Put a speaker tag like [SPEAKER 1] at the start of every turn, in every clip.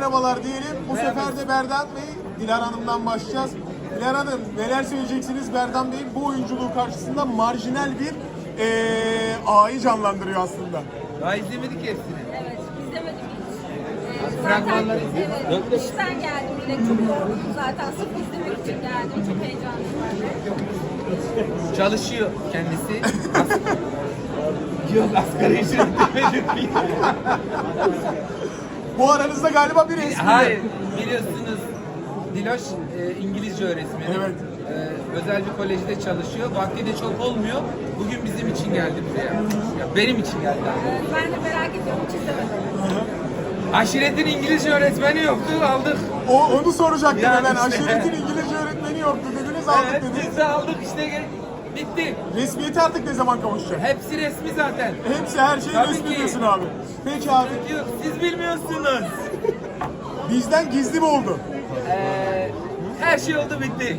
[SPEAKER 1] merhabalar diyelim. Bu sefer de Berdan Bey, Dilara Hanım'dan başlayacağız. Dilara Hanım, neler söyleyeceksiniz? Berdan Bey'in bu oyunculuğu karşısında marjinal bir ağayı canlandırıyor aslında.
[SPEAKER 2] Daha izlemedik hepsini.
[SPEAKER 3] Evet, izlemedim hiç.
[SPEAKER 2] Fragmanları
[SPEAKER 3] Evet, işten geldim yine çok yorgunum zaten. Sırf izlemek için geldim. Çok heyecanlıyım.
[SPEAKER 2] çalışıyor kendisi. Yok asgari ücret demedim.
[SPEAKER 1] Bu aranızda galiba bir espri.
[SPEAKER 2] Hayır, biliyorsunuz Diloş İngilizce öğretmeni.
[SPEAKER 1] Evet.
[SPEAKER 2] Özel bir kolejde çalışıyor. Vakti de çok olmuyor. Bugün bizim için geldi buraya. Ya benim için geldi.
[SPEAKER 3] Ben de merak ediyorum, hiç izlemedim.
[SPEAKER 2] Aşiretin İngilizce öğretmeni yoktu, aldık.
[SPEAKER 1] Onu soracaktım
[SPEAKER 2] Yani
[SPEAKER 1] hemen.
[SPEAKER 2] işte.
[SPEAKER 1] Aşiretin İngilizce öğretmeni yoktu dediniz, aldık
[SPEAKER 2] Evet,
[SPEAKER 1] dediniz.
[SPEAKER 2] biz de aldık işte, bitti.
[SPEAKER 1] Resmiyeti artık ne zaman kavuşacak?
[SPEAKER 2] Hepsi resmi zaten.
[SPEAKER 1] Hepsi, her şey
[SPEAKER 2] Tabii
[SPEAKER 1] resmi
[SPEAKER 2] ki.
[SPEAKER 1] diyorsun abi. Peki abi,
[SPEAKER 2] Yok, siz bilmiyorsunuz.
[SPEAKER 1] bizden gizli mi oldu?
[SPEAKER 2] Her şey oldu, bitti.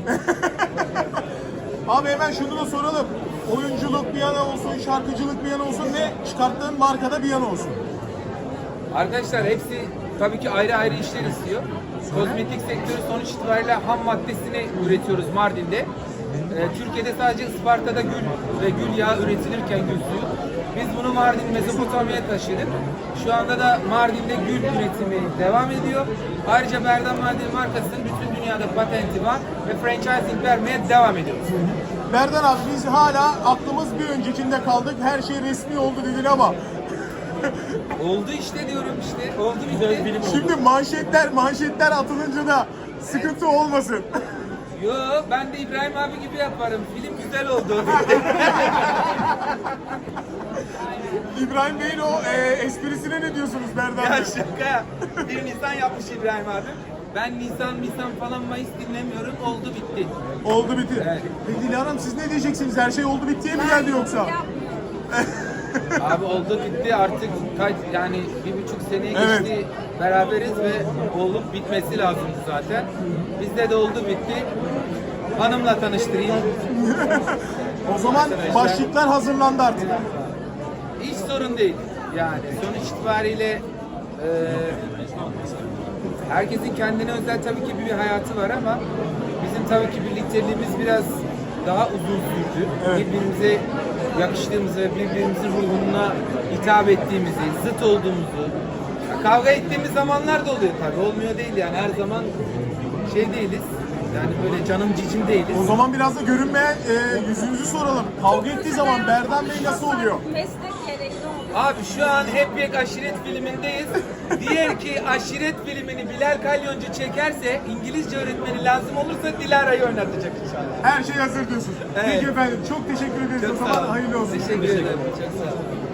[SPEAKER 1] Abi hemen şunu da soralım. Oyunculuk bir yana olsun, şarkıcılık bir yana olsun, ne çıkarttığın markada bir yana olsun.
[SPEAKER 2] Arkadaşlar hepsi tabii ki ayrı ayrı işler istiyor. Kozmetik sektörü sonuç itibariyle ham maddesini üretiyoruz Mardin'de. Türkiye'de sadece Isparta'da gül ve gül yağı üretilirken gül suyu. Biz bunu Mardin, Mezopotamya'ya taşıdık. Şu anda da Mardin'de gül üretimi devam ediyor. Ayrıca Berdan Mardin markasının bütün dünyada patenti var ve franchising vermeye devam ediyoruz.
[SPEAKER 1] Berdan abi, biz hala aklımız bir öncekinde kaldık. Her şey resmi oldu dedin ama
[SPEAKER 2] Oldu işte diyorum işte. Oldu bitti.
[SPEAKER 1] şimdi manşetler atılınca da sıkıntı olmasın.
[SPEAKER 2] Yo, ben de İbrahim abi gibi yaparım. Film güzel oldu.
[SPEAKER 1] İbrahim Bey'in o esprisine ne diyorsunuz Berdan
[SPEAKER 2] Ya
[SPEAKER 1] Bey?
[SPEAKER 2] şaka. 1 Nisan yapmış İbrahim abi. Ben Nisan falan Mayıs dinlemiyorum. Oldu bitti.
[SPEAKER 1] Oldu bitti.
[SPEAKER 2] Evet.
[SPEAKER 1] Peki Dilara Hanım, siz ne diyeceksiniz? Her şey oldu bittiye mi geldi yoksa?
[SPEAKER 3] Yapmıyorum.
[SPEAKER 2] Abi oldu bitti artık yani 1,5 seneye
[SPEAKER 1] Evet.
[SPEAKER 2] geçti. Beraberiz ve olup bitmesi lazımdı zaten. Bizde de oldu bitti. Hanımla tanıştırayım.
[SPEAKER 1] O zaman başlıklar hazırlandı artık.
[SPEAKER 2] Hiç sorun değil. Yani sonuç itibariyle herkesin kendine özel tabii ki bir hayatı var ama bizim tabii ki birlikteliğimiz biraz daha uzun sürdü.
[SPEAKER 1] Evet.
[SPEAKER 2] Birbirimize yakıştığımızı ve birbirimizin ruhuna hitap ettiğimizi, zıt olduğumuzu, kavga ettiğimiz zamanlar da oluyor tabii. Olmuyor değil yani, her zaman şey değiliz. Yani böyle canım cicim değiliz.
[SPEAKER 1] O zaman biraz da görünmeyen yüzünüzü soralım. Kavga ettiği zaman Berdan Bey nasıl oluyor?
[SPEAKER 3] Meslek gerekli oluyor.
[SPEAKER 2] Abi şu an Hep Yek Aşiret filmindeyiz. Diğer ki Aşiret filmini Bilal Kalyoncu çekerse, İngilizce öğretmeni lazım olursa Dilara'yı oynatacak inşallah.
[SPEAKER 1] Her şey hazır diyorsun.
[SPEAKER 2] Evet.
[SPEAKER 1] Peki efendim, çok teşekkür ederiz. O
[SPEAKER 2] Çok sağ
[SPEAKER 1] zaman
[SPEAKER 2] olun.
[SPEAKER 1] hayırlı olsun.
[SPEAKER 2] Teşekkür ederim. Çok sağ olun.